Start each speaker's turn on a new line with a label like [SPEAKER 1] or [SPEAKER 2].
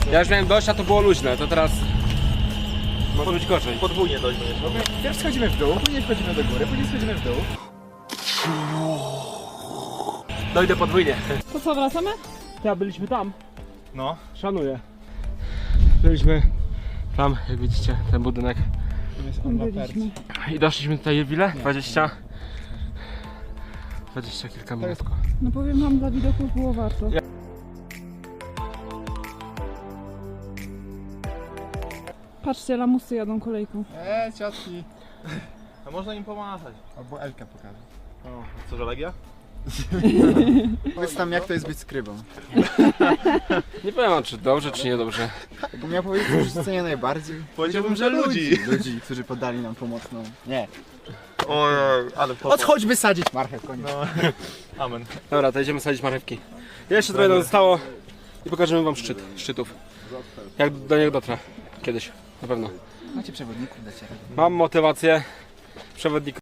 [SPEAKER 1] Ja już miałem dość, a to było luźne, to teraz może być gorzej.
[SPEAKER 2] Podwójnie dość będziesz.
[SPEAKER 3] Pierw schodzimy w dół, później schodzimy do góry, później schodzimy w dół.
[SPEAKER 1] Dojdę podwójnie.
[SPEAKER 4] To co, wracamy?
[SPEAKER 1] Ja byliśmy tam.
[SPEAKER 2] No.
[SPEAKER 1] Szanuję. Byliśmy tam, jak widzicie, ten budynek.
[SPEAKER 4] Byliśmy.
[SPEAKER 1] I doszliśmy tutaj w ile? 20 kilka minut.
[SPEAKER 4] No powiem wam, dla widoków było warto. Patrzcie, lamusy jadą kolejką.
[SPEAKER 3] Ciotki.
[SPEAKER 2] A można im pomachać.
[SPEAKER 3] Albo Elkę pokażę.
[SPEAKER 2] O, co, że Legia?
[SPEAKER 3] Powiedz nam, jak to jest być skrybą.
[SPEAKER 1] Nie powiem, czy dobrze, czy niedobrze.
[SPEAKER 3] Jakbym miał powiedzieć, co już cenię najbardziej.
[SPEAKER 2] Powiedziałbym, że ludzi.
[SPEAKER 3] Ludzi, którzy podali nam pomocną. Nie.
[SPEAKER 2] Ojej, ale popa.
[SPEAKER 3] Odchodź wysadzić marchew, koniec.
[SPEAKER 2] No. Amen.
[SPEAKER 1] Dobra, to idziemy sadzić marchewki. Jeszcze trochę nam zostało i pokażemy wam szczytów. Jak do niego dotrę. Kiedyś, na pewno.
[SPEAKER 3] Macie przewodników dla ciebie.
[SPEAKER 1] Mam motywację. Przewodnik